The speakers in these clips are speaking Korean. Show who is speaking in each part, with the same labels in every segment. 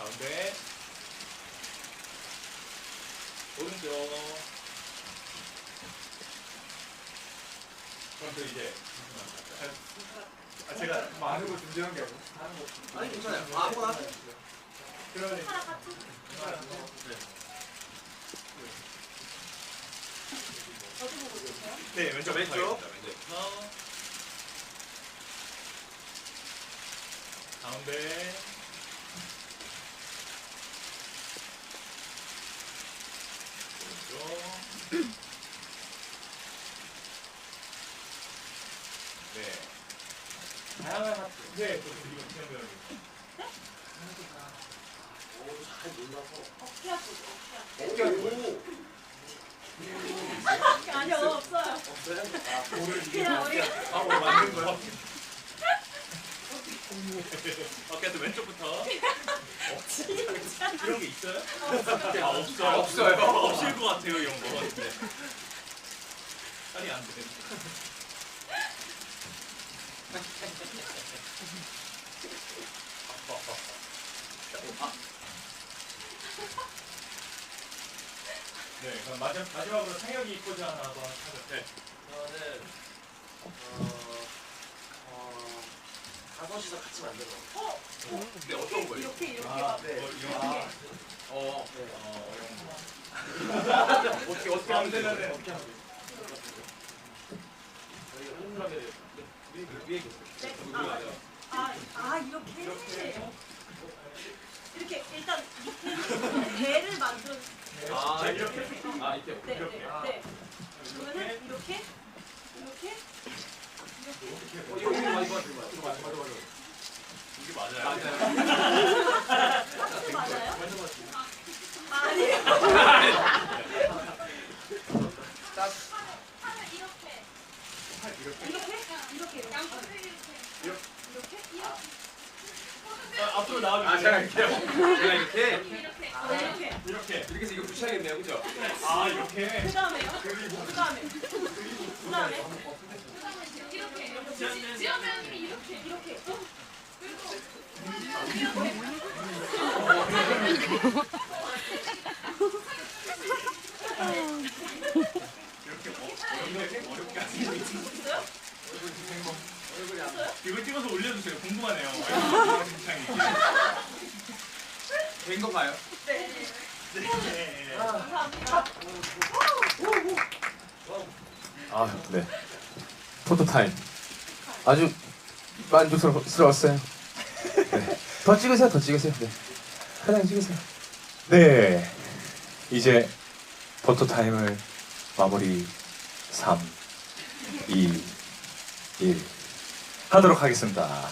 Speaker 1: 가운데. 오른쪽. 그럼 또 이제 제가
Speaker 2: 많은 거 준비한 게 아니고.
Speaker 3: 아니 괜찮아요. 아무거나 하세요.
Speaker 1: 그러면
Speaker 4: 하나 같이. 어디 보고 있어요?
Speaker 1: 네 왼쪽
Speaker 3: 왼쪽.
Speaker 1: 왼쪽 가운데. 오른쪽. 네. 다양한 하트. 네, 또 이거 그냥 배우는
Speaker 3: 잘 몰라서.
Speaker 4: 어깨 아프죠?
Speaker 3: 어깨 아프고.
Speaker 4: 아니요 없어요.
Speaker 3: 없어요?
Speaker 4: 그냥 우리
Speaker 1: 오늘 만든 거야. 어깨도 왼쪽부터. 이런 게 있어요? 아 없어요.
Speaker 3: 없어요.
Speaker 1: 없을 것 같아요 이런 거. 네. 빨리 안 돼. 네, 그럼 마지막으로 상혁이 포즈 하나 한번 하죠. 네.
Speaker 3: 저는 다섯이서 같이 만들어. 근데 어떤 거예요?
Speaker 4: 이렇게
Speaker 1: 아,
Speaker 3: 네.
Speaker 1: 뭐 이런
Speaker 3: 아,
Speaker 1: 거.
Speaker 3: 네.
Speaker 1: 이런 거.
Speaker 3: 어떻게 하면 되나요?
Speaker 1: 네.
Speaker 3: 어떻게 하면 돼요? 저희가 동그라미를 위에 계세요.
Speaker 4: 이렇게. 이렇게 일단 밑에 배를 만들어.
Speaker 3: 아,
Speaker 1: 이렇게.
Speaker 3: 이렇게.
Speaker 4: 네,
Speaker 1: 이렇게.
Speaker 4: 네. 그러면은 이렇게.
Speaker 3: 이거 많이 도와드려요. 이거 맞아.
Speaker 1: 이게 맞아요?
Speaker 4: 하트 맞아요?
Speaker 3: 완전 맞지.
Speaker 4: 아니요.
Speaker 1: 앞으로 나와주세요.
Speaker 3: 아, 제가 이렇게요. 제가 이렇게.
Speaker 1: 이렇게.
Speaker 3: 이렇게 해서 이거 붙여야겠네요, 그죠?
Speaker 1: 아 이렇게.
Speaker 4: 그다음에요? 그다음에.
Speaker 5: 지연배우님이 이렇게
Speaker 1: 이렇게 어렵게 하시는 거 있어요?
Speaker 3: 얼굴이 안
Speaker 1: 이거 찍어서 올려주세요. 궁금하네요. 굉장히.
Speaker 3: 된 건가요?
Speaker 4: 네.
Speaker 1: 네.
Speaker 4: 감사합니다.
Speaker 2: 아, 네. 포토타임. 아주 만족스러웠어요. 네. 더 찍으세요, 더 찍으세요. 네. 편하게 찍으세요. 네. 이제 포토타임을 마무리 3, 2, 1 하도록 하겠습니다.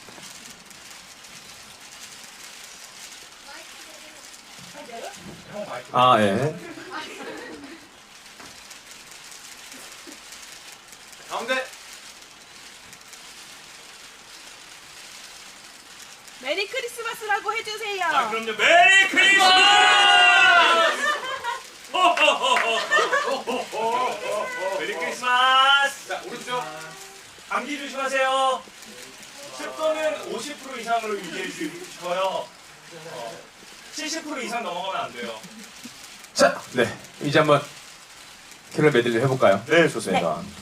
Speaker 2: 아, 예.
Speaker 3: 가운데.
Speaker 6: 메리 크리스마스라고 해주세요.
Speaker 1: 아 그럼요. 메리 크리스마스! 메리 크리스마스!
Speaker 3: 자, 오른쪽.
Speaker 1: 감기 조심하세요. 습도는 50% 이상으로 유지해 주시고요. 70% 이상 넘어가면 안 돼요.
Speaker 2: 자, 네. 이제 한번 캐럴 메들리 해볼까요? 네, 좋습니다.